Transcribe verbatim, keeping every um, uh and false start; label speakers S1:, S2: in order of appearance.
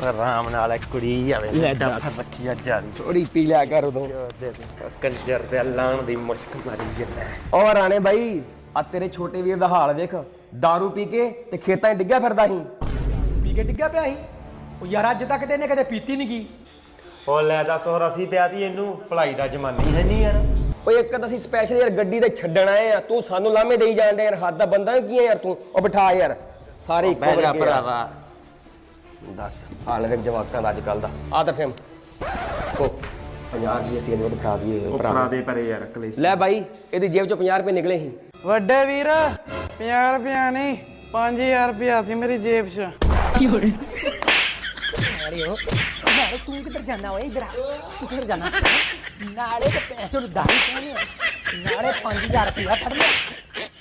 S1: ਆਰਾਮ ਨਾਲ ਕੁੜੀ ਜਾਵੇ
S2: ਲੈ ਦੱਸ।
S1: ਰੱਖੀ ਆ ਜਾਰੀ
S2: ਥੋੜੀ ਪੀ ਲਿਆ ਕਰ ਉਦੋਂ।
S1: ਕੰਜਰ ਦੇ ਲਾਣ ਦੀ ਮੁਸ਼ਕ ਮਾਰੀ ਜਾਂਦਾ
S2: ਓ ਰਾਣੇ ਬਾਈ ਆ ਤੇਰੇ ਛੋਟੇ ਵੀਰ ਦਾ ਹਾਲ ਵੇਖ, दारू ਪੀ ਕੇ ਤੇ ਖੇਤਾਂ 'ਚ ਡਿੱਗਿਆ ਫਿਰਦਾ ਸੀ।
S3: ਪੀ ਕੇ ਡਿੱਗਿਆ ਪਿਆ ਸੀ ਉਹ ਯਾਰ, ਅੱਜ ਤੱਕ ਤੇ ਇਹਨੇ ਕਦੇ ਪੀਤੀ ਨਹੀਂ ਗਈ।
S1: ਉਹ ਲੈ ਦੱਸ ਹੋਰ ਅਸੀਂ ਪਿਆਤੀ ਇਹਨੂੰ ਭਲਾਈ ਦਾ ਜ਼ਮਾਨਾ ਹੀ ਹੈ ਨਹੀਂ ਯਾਰ।
S2: ਓਏ ਇੱਕ ਤਾਂ ਅਸੀਂ ਸਪੈਸ਼ਲ ਯਾਰ ਗੱਡੀ ਤੇ ਛੱਡਣ ਆਏ ਆ, ਤੂੰ ਸਾਨੂੰ ਲਾਮੇ ਦੇਈ ਜਾਂਦੇ ਯਾਰ। ਹੱਦ ਦਾ ਬੰਦਾ ਕੀ ਹੈ ਯਾਰ ਤੂੰ। ਉਹ ਬਿਠਾ ਯਾਰ, ਸਾਰੇ ਇੱਕੋ
S1: ਬਹਿ ਜਾ
S2: ਵਰਗੇ ਆ।
S1: ਭਰਾਵਾ
S2: ਦੱਸ ਹਾਲ ਵੇਖ ਜਵਾਕਾਂ ਦਾ ਅੱਜ ਕੱਲ ਦਾ। ਆਦਰ ਸਿੰਘ ਕੋ ਪੰਜਾਹ ਰੁਪਏ ਅਸੀਂ ਇਹਨੂੰ ਦਿਖਾ ਦਈਏ
S1: ਉਹ
S2: ਭਰਾ
S1: ਭਰਾ
S2: ਨੂੰ।
S1: ਦੇ ਪਰੇ ਯਾਰ ਕਲੇਸ਼।
S2: ਲੈ ਬਾਈ ਇਹਦੀ ਜੇਬ ਚੋਂ ਪੰਜਾਹ ਰੁਪਏ ਨਿਕਲੇ ਸੀ।
S4: ਵੱਡੇ ਵੀਰ ਪੰਜਾਹ ਰੁਪਇਆ ਨਹੀਂ ਪੰਜ ਹਜ਼ਾਰ ਰੁਪਇਆ ਸੀ ਮੇਰੀ ਜੇਬ 'ਚ।
S3: ਨਾਲੇ ਉਹ ਨਾਲੇ ਤੂੰ ਕਿੱਧਰ ਜਾਣਾ ਓਏ? ਇਧਰ ਆ, ਤੂੰ ਕਿੱਧਰ ਜਾਣਾ? ਨਾਲੇ ਤੇ ਪੈਸੇ ਨੂੰ ਦਾਈ ਪਾਣੇ, ਨਾਲੇ ਪੰਜ ਹਜ਼ਾਰ ਰੁਪਇਆ ਫੜ ਲਿਆ।